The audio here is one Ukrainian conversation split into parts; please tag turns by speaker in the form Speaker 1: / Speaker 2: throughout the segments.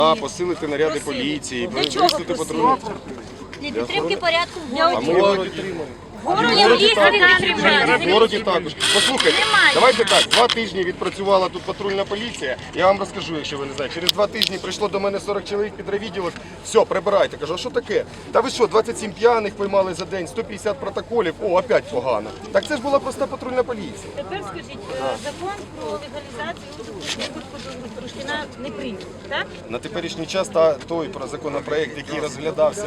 Speaker 1: Посилити наряди поліції, виставити патрулі.
Speaker 2: Для підтримки порядку в
Speaker 1: А ми його підтримали. В городі також. Послухайте, давайте так, 2 тижні відпрацювала тут патрульна поліція. Я вам розкажу, якщо ви не знаєте. Через 2 тижні прийшло до мене 40 чоловік під райвідділок. Все, прибирайте. Кажу, а що таке? Та ви що, 27 п'яних поймали за день, 150 протоколів, опять погано. Так це ж була проста патрульна поліція.
Speaker 2: Тепер скажіть, закон про легалізацію бурштина не прийнятий, так?
Speaker 1: На теперішній час той законопроект, який розглядався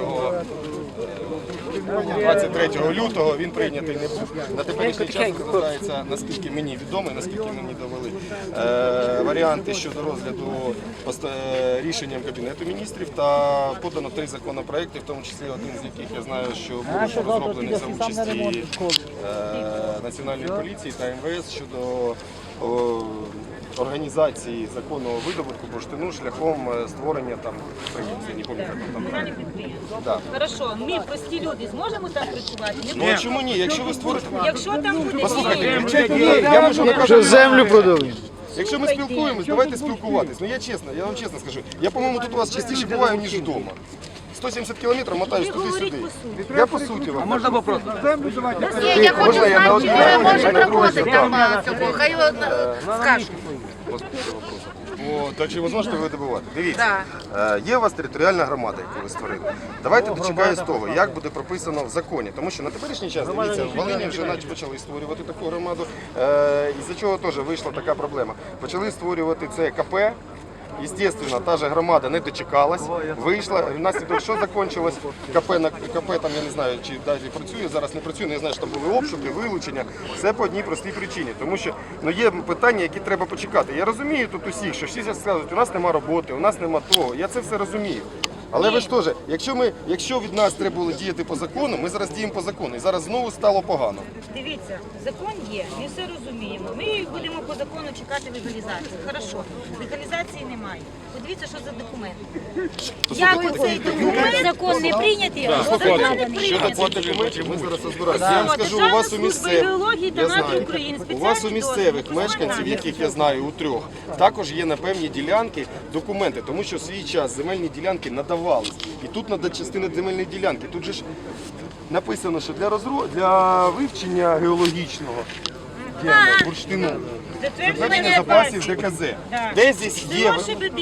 Speaker 1: 23 лютого, він прийнятий не був. На теперішній час розглядається, наскільки мені відомо, наскільки мені довели варіанти щодо розгляду рішенням Кабінету міністрів, та подано 3 законопроекти, в тому числі один з яких я знаю, що був розроблений за участі Національної поліції та МВС щодо організації законного видобутку бурштину шляхом створення там підприємства, не пам'ятаю, як там.
Speaker 2: Хорошо, ми, прості люди, зможемо там працювати?
Speaker 1: Ну а чому ні? Якщо ви створите...
Speaker 2: Якщо там буде...
Speaker 1: Послухайте, я можу наказати...
Speaker 3: Землю продали.
Speaker 1: Якщо ми спілкуємось, давайте спілкуватись. Ну я вам чесно скажу, я, по-моєму, тут у вас частіше буваю, ніж вдома. 170 кілометрів мотаюсь туди-сюди. Я по суті вам.
Speaker 3: А можна вопрос?
Speaker 4: Я хочу знати, чи ви можете проводити там цього, хай скажуть.
Speaker 1: Так чи ви зможете ви добувати? Дивіться, є у вас територіальна громада, яку ви створили. Давайте дочекаємо з того, як буде прописано в законі. Тому що на теперішній час, дивіться, в Волині вже почали створювати таку громаду, із-за чого теж вийшла така проблема. Почали створювати це КП. Естественно, та же громада не дочекалась, вийшла, внаслідок що закінчилось, КП там, я не знаю, чи далі працює, зараз не працює, не знаю, що там були обшуки, вилучення, все по одній простій причині, тому що є питання, які треба почекати. Я розумію тут усіх, що всі скажуть, у нас нема роботи, у нас нема того, я це все розумію. Але ви ж теж, якщо від нас треба було діяти по закону, ми зараз діємо по закону, і зараз знову стало погано.
Speaker 2: Дивіться, закон є, ми все розуміємо. Ми будемо по закону чекати легалізації. Хорошо, легалізації немає. Подивіться, що за документ. Як оцей документ, закон не прийнятий, а закон не прийнятий.
Speaker 1: Ми зараз розбираємося. Я вам скажу, у вас у місцевих мешканців, яких я знаю, у 3, також є на певні ділянки документи, тому що в свій час земельні ділянки надавались. І тут треба частина земельної ділянки. Тут же ж написано, що для вивчення геологічного бурштину, затвердження запасів ДКЗ. Де здесь є?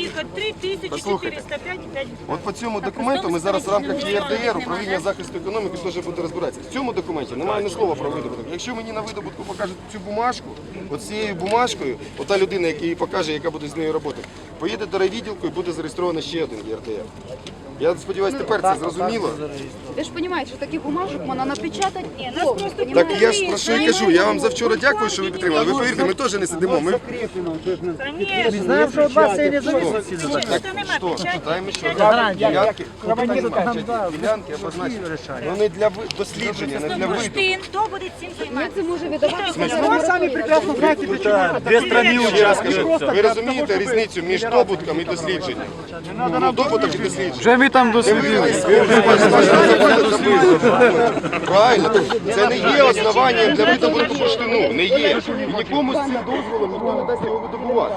Speaker 1: От по цьому документу ми зараз в рамках ЄРДР, управління захисту економіки, теж буде розбиратися. В цьому документі немає ні слова про видобуток. Якщо мені на видобутку покажуть цю бумажку, от цією бумажкою, ота людина, яка їй покаже, яка буде з нею роботи, поїде до райвідділку і буде зареєстровано ще один ЄРДР. Я сподіваюся, тепер це зрозуміло.
Speaker 4: Ви ж розумієте, що таких бумажок можна напечатати.
Speaker 1: Так я ж про що і кажу, я вам завчора дякую, що ви підтримали. Ви повірте, ми теж не сидимо. Ми
Speaker 3: Знаємо, що вас це не зависить.
Speaker 1: що, читаємо, що ділянки обозначені. Ну не для дослідження, не для виду.
Speaker 2: Хто буде цим займатися?
Speaker 4: Це може видавати.
Speaker 3: Ви самі прекрасно знаєте,
Speaker 1: Дві сторони учасники. Ви розумієте різницю між добутком і дослідженням? Ну, добуток і дослідження.
Speaker 3: Вже ми там дослідили.
Speaker 1: Правильно, це не є основанням для видобутку бурштину, не є. І нікому з цим дозволом ніхто не дасть його видобувати.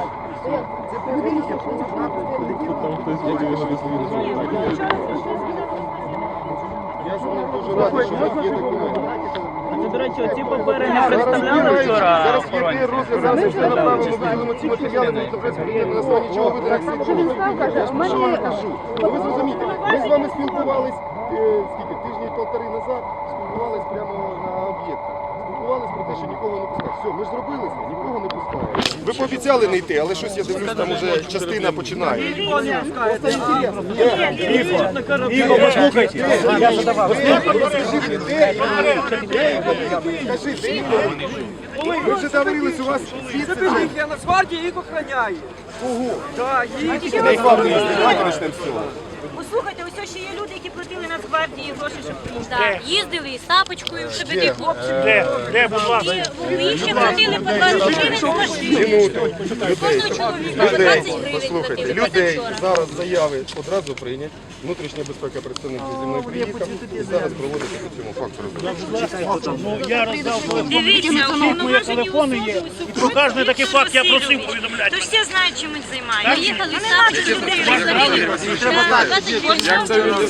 Speaker 1: Я з ним дуже радий, що у вас є документи.
Speaker 5: До речі, оці папери не представляли вчора.
Speaker 1: Зараз є розгляд, зараз все направимо, виділимо ці матеріали, будуть запрацювати на основі чого виданих слідчого. Я ж про що вам кажу. Ви зрозумієте, ми з вами спілкувались, скільки, тижні 1,5 назад, спілкувались прямо на об'єктах. Спілкувались про те, що нікого не пускають. Все, ми ж зробили це, нікого не пускають. Ви пообіцяли не йти, але щось, я дивлюсь, там уже частина починає.
Speaker 3: Ігор, послухайте. Я задавав.
Speaker 1: Ви вже договорились, у вас звідси.
Speaker 6: Я на гвардії їх охороняє.
Speaker 1: Давайте почнемо з цього.
Speaker 2: Послухайте, ось ось ще є люди, які платили Нацгвардії гроші, щоб приїхати.
Speaker 6: Так, їздили із тапочкою, щоб ті хлопці.
Speaker 3: Де, будь ласка?
Speaker 2: І ще платили по 20 гривень за машину.
Speaker 6: Кожного чоловіка по 20 гривень
Speaker 1: Послухайте,
Speaker 6: платили
Speaker 1: людей
Speaker 6: позавчора.
Speaker 1: зараз заяви одразу прийнять. Внутрішня безпека представник зі мною приїхав і зараз проводиться по цьому факту розслідування.
Speaker 3: Ну, я роздав
Speaker 2: Дивіться,
Speaker 3: мої
Speaker 2: уповноважені
Speaker 3: телефони є.
Speaker 2: особи
Speaker 3: І про кожен такий факт я просив
Speaker 2: розслідують.
Speaker 3: повідомляти.
Speaker 2: Тож всі знають, чим ми займаємося.
Speaker 6: Їхали
Speaker 2: Ну,
Speaker 6: з
Speaker 2: не треба
Speaker 6: тапочкою,
Speaker 2: людей
Speaker 6: щоб
Speaker 2: розуміти.
Speaker 1: Так,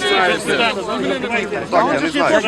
Speaker 1: я не знаю.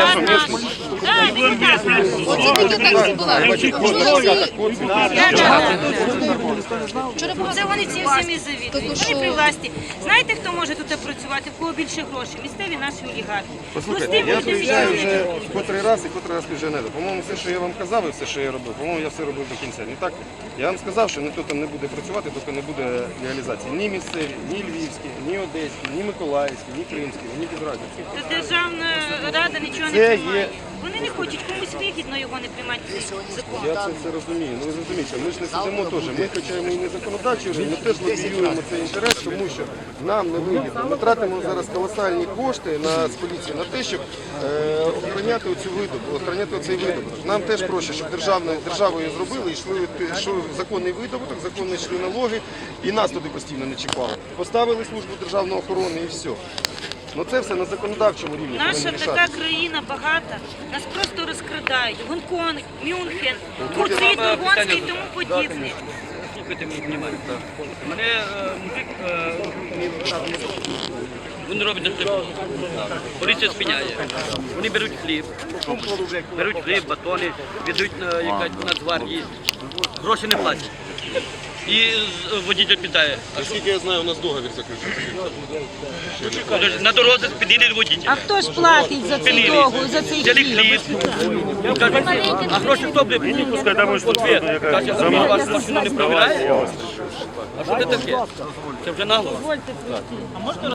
Speaker 2: Це вони ці всіми завідують. Вони при власті. Знаєте, хто може тут працювати, в кого більше грошей? Місцеві наші олігархи.
Speaker 1: Послухайте, я приїжджаю вже котрий раз і котрий раз вже не до. По-моєму, все, що я вам казав і все, що я робив, по-моєму, я все робив до кінця. Не так? Я вам сказав, що ніхто там не буде працювати, доки не буде легалізації. Ні місцеві, ні львівські, ні одеські, ні миколаївські, ні кримські, ні безразівські.
Speaker 2: Державна рада нічого не
Speaker 1: Це
Speaker 2: приймає.
Speaker 1: є-
Speaker 2: Вони не хочуть, комусь вигідно його не приймати цей закон.
Speaker 1: Я це все розумію. Ну ви зрозумієте, ми ж не сидимо теж. Ми, хоча ми і не законодавчі вже, ми теж лобіюємо цей інтерес, тому що нам не вигідно. Ми тратимо зараз колосальні кошти з поліції на те, щоб охороняти оцю видобуток, охороняти оцей видобуток. Нам теж проще, щоб державою зробили, йшли законний видобуток, законні йшли налоги, і нас туди постійно не чіпали. Поставили службу державної охорони і все. Ну це все на законодавчому рівні.
Speaker 2: Наша
Speaker 1: повинні рішати.
Speaker 2: така країна багата, нас просто розкрадають. Гонконг, Мюнхен, Турцит, Горгонський і тому подібне.
Speaker 7: Слухайте мені внимання. Мене мужик, він робить на хліб. Поліція спиняє. Вони беруть хліб, батони, віддають на якась Нацгвардії. Гроші не платять. І водитель питає,
Speaker 1: А скільки я знаю, у нас договір заключений.
Speaker 7: на дорозі спинили водителя.
Speaker 2: А хто ж платить за цей договір, за цей
Speaker 7: Взяли хліб. Кажуть, а гроші хто буде? Ответ. Каже, а він вашу машину не провіряє? А що це таке? Це вже нагло.